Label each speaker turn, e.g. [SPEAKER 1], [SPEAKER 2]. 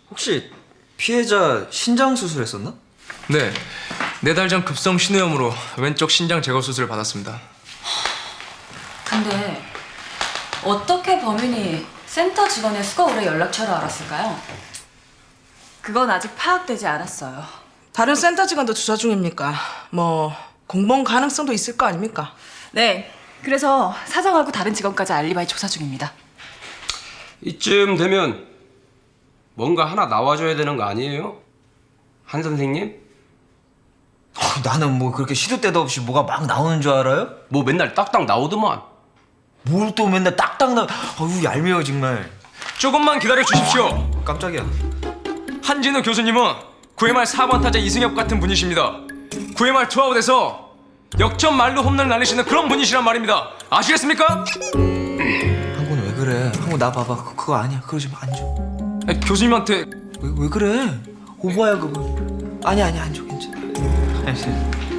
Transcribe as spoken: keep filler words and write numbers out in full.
[SPEAKER 1] 혹시 피해자 신장 수술했었나?
[SPEAKER 2] 네, 네 달 전 급성 신우염으로 왼쪽 신장 제거 수술을 받았습니다.
[SPEAKER 3] 근데 어떻게 범인이 센터 직원의 수거울의 연락처를 알았을까요? 그건 아직 파악되지 않았어요.
[SPEAKER 4] 다른 센터 직원도 조사 중입니까? 뭐 공범 가능성도 있을 거 아닙니까?
[SPEAKER 3] 네, 그래서 사장하고 다른 직원까지 알리바이 조사 중입니다.
[SPEAKER 5] 이쯤 되면 뭔가 하나 나와줘야 되는 거 아니에요? 한 선생님?
[SPEAKER 1] 어, 나는 뭐 그렇게 시도 때도 없이 뭐가 막 나오는 줄 알아요?
[SPEAKER 5] 뭐 맨날 딱딱 나오더만.
[SPEAKER 1] 뭘 또 맨날 딱딱 나. 어우 얄미워 정말.
[SPEAKER 2] 조금만 기다려 주십시오.
[SPEAKER 1] 깜짝이야.
[SPEAKER 2] 한진우 교수님은 구회말 사 번 타자 이승엽 같은 분이십니다. 구회말 투아웃에서 역전 말로 홈런을 날리시는 그런 분이시란 말입니다. 아시겠습니까?
[SPEAKER 1] 한군 왜 그래? 한군 나 봐봐. 그, 그거 아니야. 그러지 마. 안 줘.
[SPEAKER 2] 아니, 교수님한테
[SPEAKER 1] 왜, 왜 그래? 오버야 그거. 아니야 아니야 안 줘. 괜찮아.